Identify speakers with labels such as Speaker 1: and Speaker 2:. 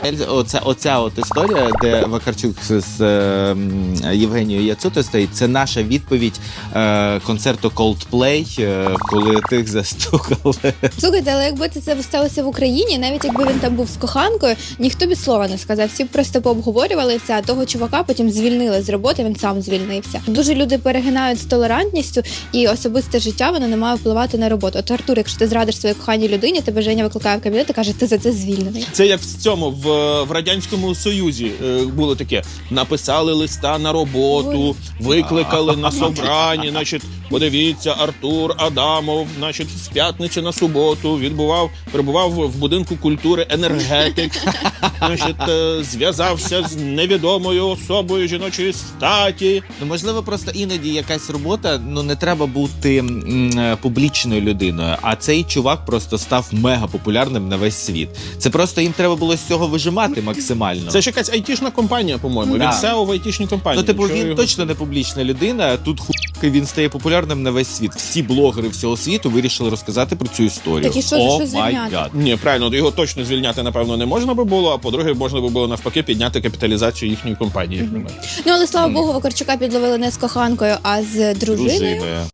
Speaker 1: Оця от історія, де Вакарчук з Євгенією Яцутою стоїть, це наша відповідь концерту Coldplay, коли тих застукали.
Speaker 2: Слухайте, але якби це сталося в Україні, навіть якби він там був з коханкою, ніхто б і слова не сказав. Всі б просто пообговорювали це, а того чувака потім звільнили з роботи, він сам звільнився. Дуже люди перегинають з толерантністю, і особисте життя, воно не має впливати на роботу. От, Артур, якщо ти зрадиш своїй коханій людині, тебе Женя викликає в кабінет і каже, ти за це звільнений.
Speaker 3: Це як в цьому, в Радянському Союзі було таке. Написали листа на роботу, викликали на собрані, значить, подивіться, Артур Адамов, значить, з п'ятниці на суботу перебував в будинку культури енергетик, значить, зв'язався з невідомою особою жіночої статі.
Speaker 1: Ну, можливо, просто іноді якась робота, не треба бути публічною людиною, а цей чувак просто став мега популярним на весь світ. Це просто їм треба було з цього вижимати максимально.
Speaker 3: Це ж якась айтішна компанія, по-моєму.
Speaker 1: Да.
Speaker 3: Він SEO в айтішній компанії.
Speaker 1: Він точно не публічна людина, тут він стає популярним на весь світ. Всі блогери всього світу вирішили розказати про цю історію.
Speaker 2: Так і що звільняти?
Speaker 3: Ні, правильно, його точно звільняти, напевно, не можна би було, а по-друге, можна би було навпаки підняти капіталізацію їхньої компанії.
Speaker 2: Ну, але, слава Богу, Вакарчука підловили не з коханкою, а з дружиною.